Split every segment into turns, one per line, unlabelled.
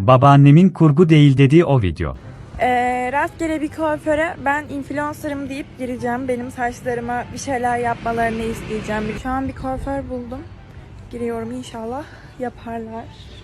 Babaannemin kurgu değil dediği o video.
Rastgele bir kuaföre ben influencer'ım deyip gireceğim. Benim saçlarıma bir şeyler yapmalarını isteyeceğim. Şu an bir kuaför buldum. Giriyorum, inşallah yaparlar.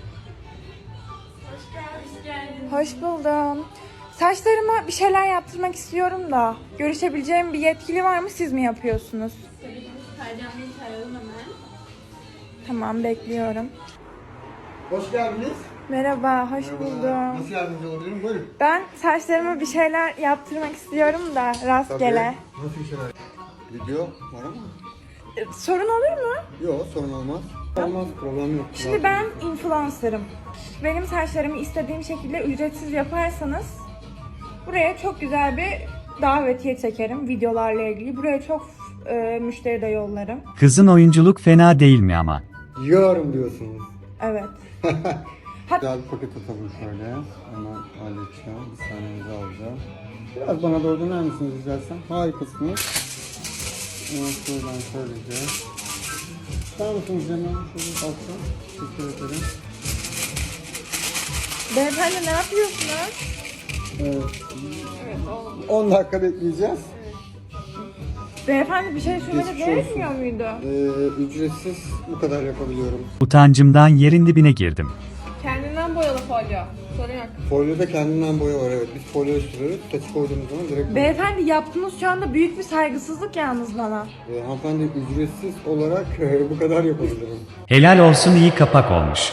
Hoş buldum. Saçlarıma bir şeyler yaptırmak istiyorum da görüşebileceğim bir yetkili var mı? Siz mi yapıyorsunuz?
Tabii ki Sercan Bey'i çağıralım hemen.
Tamam, bekliyorum.
Hoş geldiniz.
Merhaba, hoş buldum.
Nasıl yardımcı olabilirim? Buyurun.
Ben saçlarıma bir şeyler yaptırmak istiyorum da rastgele.
Nasıl bir şeyler? Video var ama.
Sorun olur mu?
Yok, sorun olmaz. Olmaz, problem yok.
Şimdi ben influencer'ım. Benim saçlarımı istediğim şekilde ücretsiz yaparsanız buraya çok güzel bir davetiye çekerim videolarla ilgili. Buraya çok müşteri de yollarım.
Kızın oyunculuk fena değil mi ama?
Yiyorum diyorsunuz.
Evet.
Güzel bir paket atalım şöyle. Hemen halledeceğim. Bir saniyenizi alacağım. Biraz bana doğru döner misiniz rica etsem? Harikasınız. Evet, şuradan şöylece. Sağ mısınız hemen? Şöyle baksam. Teşekkür ederim.
Beyefendi, ne yapıyorsunuz?
Evet. 10 dakika bekleyeceğiz.
Beyefendi, bir şey söylemede
Geçmiş
gerekmiyor muydu?
Ücretsiz bu kadar yapabiliyorum.
Utancımdan yerin dibine girdim.
Kendinden boyalı folyo. Sorun yok.
Folyoda kendinden boya var, evet. Biz folyo sürüyoruz. Saçı koyduğumuz zaman direkt...
Beyefendi, yaptığınız şu anda büyük bir saygısızlık yalnız bana.
Hanımefendi, ücretsiz olarak bu kadar yapabilirim.
Helal olsun, iyi kapak olmuş.